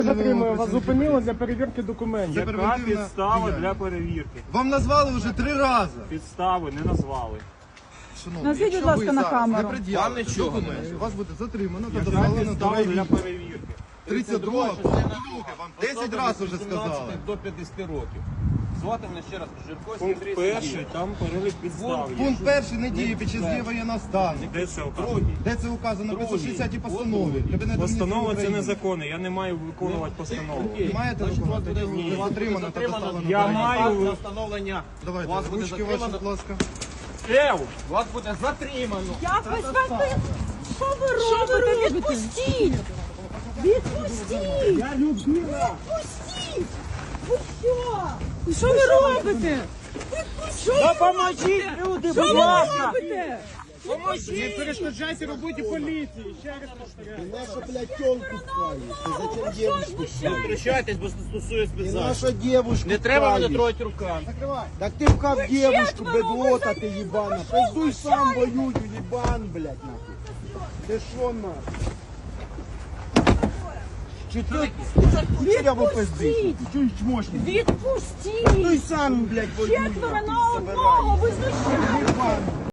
Затримую, вас зупинили для перевірки документів. Яка підстава для перевірки? Вам назвали вже 3 рази. Підстави не назвали. Шановні, Назвіть, будь якщо ласка, ви на зараз камеру. не пред'явите нічого документи, вас буде затримано та Яка доставлено до підстава для райвідділу. перевірки? 32 вам 10 разів вже сказали. До 50 років. Звати мене ще раз Жирко Пункт Сергій перший, там перелік підстав. є. Пункт перший не діє під час дії воєнного стану. Де це указано? Де це указано? В 560 постанові. Кабінету Постанова Міністрів це України. незаконно, я не маю виконувати постанову. Ви маєте виконувати? Ви затримано та доставлено Я до маю- райвідділу. на встановлення. Давайте, Вас буде ручки ваші, затримано. будь ласка. Вас буде затримано. Як ви смерти? Що ви робите? Відпустіть! Відпустіть! Я Людмила! Відпустіть! Ви що? Що ви робите? Що ви Допоможіть, люди, Що будь ви ласка! робите? Не перешкоджайте роботі поліції! Ще раз повторяю. Наша, блядь, тёлку вправишь. Ты зачем девушку Не вправишь? втручайтесь, бо стосується Ты спецзахисту. наша девушку Не треба мене вправишь. трогати руками. Так ты вкав девушку, четверо, бедлота вы ты ебана. Пиздуй сам воюю, ебан, блядь, нахуй. Ты шо нахуй? Четверо пизди. Чё чмошник? Відпустіть! Пиздуй сам, блядь, воюй. Четверо нахуй, на собирай. одного! Ви знущаєтесь! Ебан.